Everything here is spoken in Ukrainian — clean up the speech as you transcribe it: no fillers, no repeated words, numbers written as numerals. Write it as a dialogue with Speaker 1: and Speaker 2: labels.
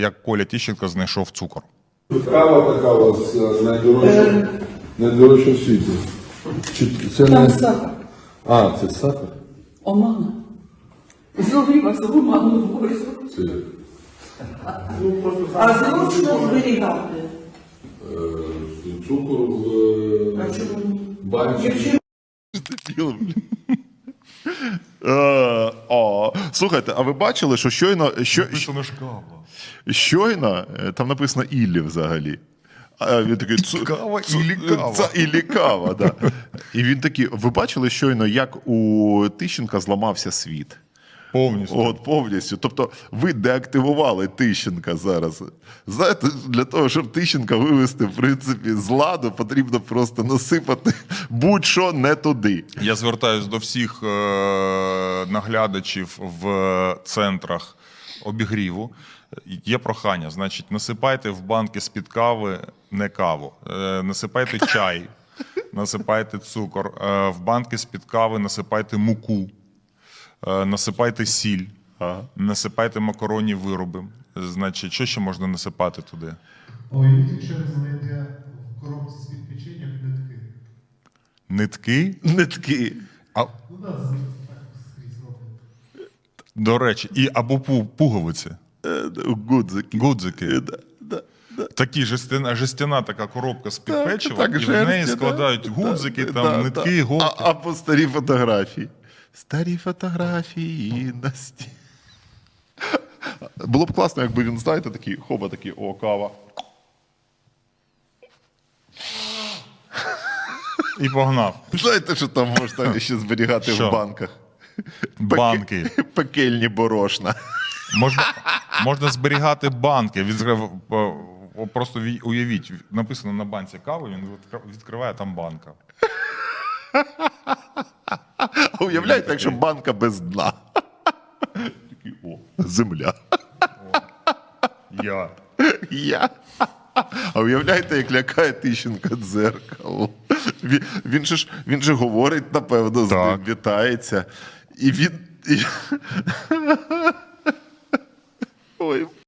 Speaker 1: Як Коля Тищенко знайшов цукор.
Speaker 2: Кава така у вас найдорожча в світі. Це
Speaker 3: Там
Speaker 2: не...
Speaker 3: сахар.
Speaker 2: А, це сахар?
Speaker 3: Омана. Зловила за оману войску.
Speaker 2: Це...
Speaker 3: А зручно зберігати.
Speaker 2: Цукор в
Speaker 3: А чому ні?
Speaker 2: банці.
Speaker 4: Слухайте, а ви бачили, що щойно там написано «Іллі» взагалі. А він такий
Speaker 1: Кава іллі кава.
Speaker 4: «Іллі кава», да. І він такий, ви бачили щойно, як у Тищенка зламався світ?
Speaker 1: Повністю.
Speaker 4: От повністю. Тобто ви деактивували Тищенка зараз. Знаєте, для того, щоб Тищенка вивести, в принципі, з ладу, потрібно просто насипати будь-що не туди.
Speaker 1: Я звертаюсь до всіх наглядачів в центрах обігріву. Є прохання, значить, насипайте в банки з-під кави не каву, насипайте чай, насипайте цукор, в банки з-під кави насипайте муку, насипайте сіль, насипайте макаронні вироби. Значить, що ще можна насипати туди?
Speaker 5: Ой, якщо ви знайдете в коробці з-під печення нитки.
Speaker 1: Нитки?
Speaker 4: Нитки.
Speaker 1: А,
Speaker 5: У нас так скрізь роблять.
Speaker 1: до речі, або пуговиці.
Speaker 4: Гудзики.
Speaker 1: Гудзики.
Speaker 4: Да.
Speaker 1: Такі жестяна така коробка з-під
Speaker 4: Так,
Speaker 1: печива,
Speaker 4: так,
Speaker 1: і в
Speaker 4: жерсть,
Speaker 1: неї
Speaker 4: да.
Speaker 1: складають гудзики,
Speaker 4: Да,
Speaker 1: там,
Speaker 4: да,
Speaker 1: нитки,
Speaker 4: да.
Speaker 1: голки.
Speaker 4: Або старі фотографії. Старі фотографії на стіні. Було б класно, якби він, знаєте, такий, хоба такий, о, кава.
Speaker 1: І погнав.
Speaker 4: Знаєте, що там можна ще зберігати
Speaker 1: Що?
Speaker 4: в банках?
Speaker 1: Банки.
Speaker 4: Пекельні борошна.
Speaker 1: Можна зберігати банки. Просто уявіть, написано на банці кави, він відкриває там банка.
Speaker 4: А уявляєте, якщо банка без дна? Такий, о, земля. Я. А уявляєте, як лякає Тищенка дзеркало? Він же говорить, напевно, з ним, вітається. І він... Ой.